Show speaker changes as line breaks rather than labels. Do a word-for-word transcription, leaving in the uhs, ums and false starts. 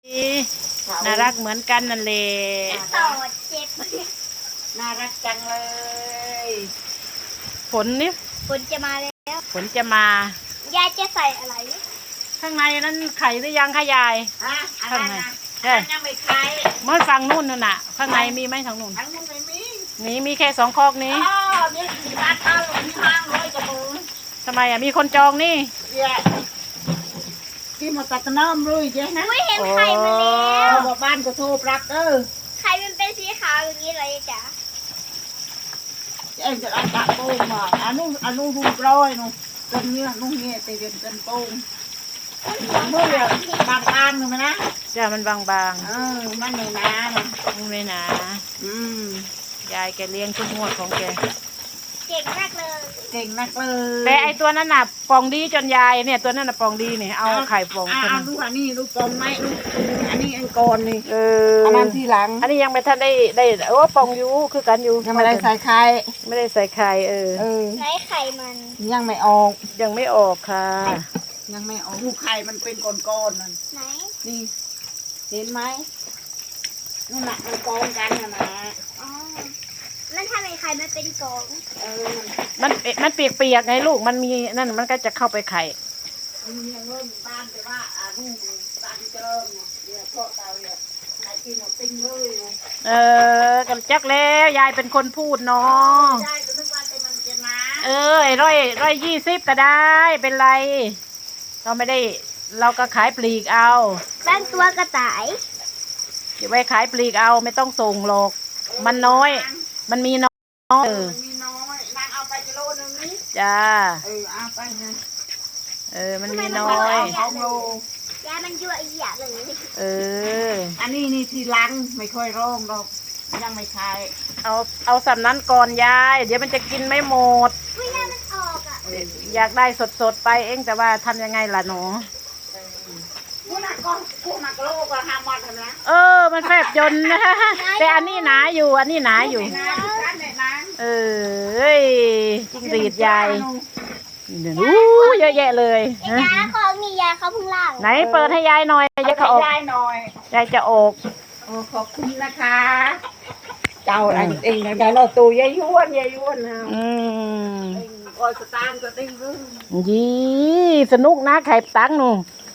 น่ารักเหมือนกันนั่นเลย
ต่อเจ็บ
น่ารักจังเลย
ฝนนี่
ฝนจะมาแล้ว
ฝนจะมาย
ายจะใส่อะไร
ข้างในนั้นไข่หรือยังคะยาย
ฮะอะไรนะ
ใช่
ยังไม่ใคร
เมื่อฝั่งนู่นน่ะน่ะข้างในมีไหมทางนู่น
ทั้งนู้นไม่มี
นี่มีแค่สองคอกนี้
อ๋อนี่ที่บ้านข้าวลงทางเลยจะมือ
ทำไมอ่ะมีคนจองนี่
เยอะที่มาตัดน้ำเลยเจ๊นะ
ไม่เห็นไข่มาแล้ว
บอกบ้านก็โทรปรับเออ
ไข่มันเป็นสีขาวอย่างนี้เลยจ้ะ
เอ็งจะเอาตะโป่งมาอันนู้นอันนู้นรูปร้อยนู้นต้นเนี้ยนู้นเนี้ยตีเป็นต้นโป่งเมื่อเดียวบางบางเลยนะ
จ้ามันบาง
ๆเออมันไม่หนาเนาะ
มันไม่หนา
อืม
ยายแกเลี้ยงทุกงวดของแก
เก่งมากเลย
เก่งนักเลย
แต่ไอตัวนั้นน่ะปองดีจนยายเนี่ยตัวนั้นน่ะปองดีเนี่ยเอาไข่ปอง
เอาดูอันนี้ดูปองไหมดูอันนี้อันก่อนนี่
เออ
อันนั้นทีหลัง
อันนี้ยังไม่ทันได้ได้โอ้ปองอยู่คือกันอยู่
ยังไม่ได้ใส่ไข่
ไม่ได้ใส่ไข่เออ
เออ
ไหนไข่มัน
ยังไม่ออก
ยังไม่ออกค่ะ
ยังไม่ออกลูกไข่มันเป็นก้อนๆนั่น
ไหน
นี่เห็นไหมนู่นน่ะมันกองกันนะนะ
อ๋อมันทำให้ไข่มันเป็นกอง
เออ
มันมันเปียกๆไงลูกมันมีนั่นมันก็จะเข้าไปไข่
มันยังเริ่มบ้านแต่ว่าอ่านู่นบ้านเจริญเนี่ยเพาะเตาเนี่ยไข่กินเอาติ้งเลย
เออกันจักแล้วยายเป็นคนพูดเนาะ
ยายก็นึกว่าแต่มันจะมา
เออไอ้ร้อยร้อยยี่สิบก็ได้เป็นไรเราไม่ได้เราก็ขายปลีกเอา
ตั้งตัวกระต่าย
เก็บไว้ขายปลีกเอาไม่ต้องส่งหรอกมันน้อยมันมีน้อย
เออมันมีน้อยนางเอาไปกิโลนึงนี่
จ้า
เออเอาไปนะ
เออมันมีน้อย
สองโล
ยามันยั่วอีหยาเลย
เออ
อันนี้นี่ทีหลังไม่ค่อยร้องหรอกยังไม่ขาย
เอาเอาสำนั้นก่อนยายเดี๋ยวมันจะกินไม่หมด
ไม่ยามันออกอ่ะ
อยากได้สดๆไปเองแต่ว่าทำยังไงล่ะหนู
ผู้นักก็ผู้นักโลกก็ห้ามมันนะ
เออมันแฟบยนนะแต่อันนี้หนาอยู่อันนี้หนาอยู่เออจิ้งหรีดยายอู้เยอะแยะเลย
ยายเขามียายเขาพึ่งล่าง
ไหนเปิดให้ยายหน่อยยายจะออก
ยายหน่อย
ยายจะออก
โอ้ขอบคุณนะคะเจ้าอันเองนะเราตูยายย้วนยายย้วนนะ
อืม
คอยสตาร์ก็ติ้งรู้
ยี่สนุกนะไข่ตังหนู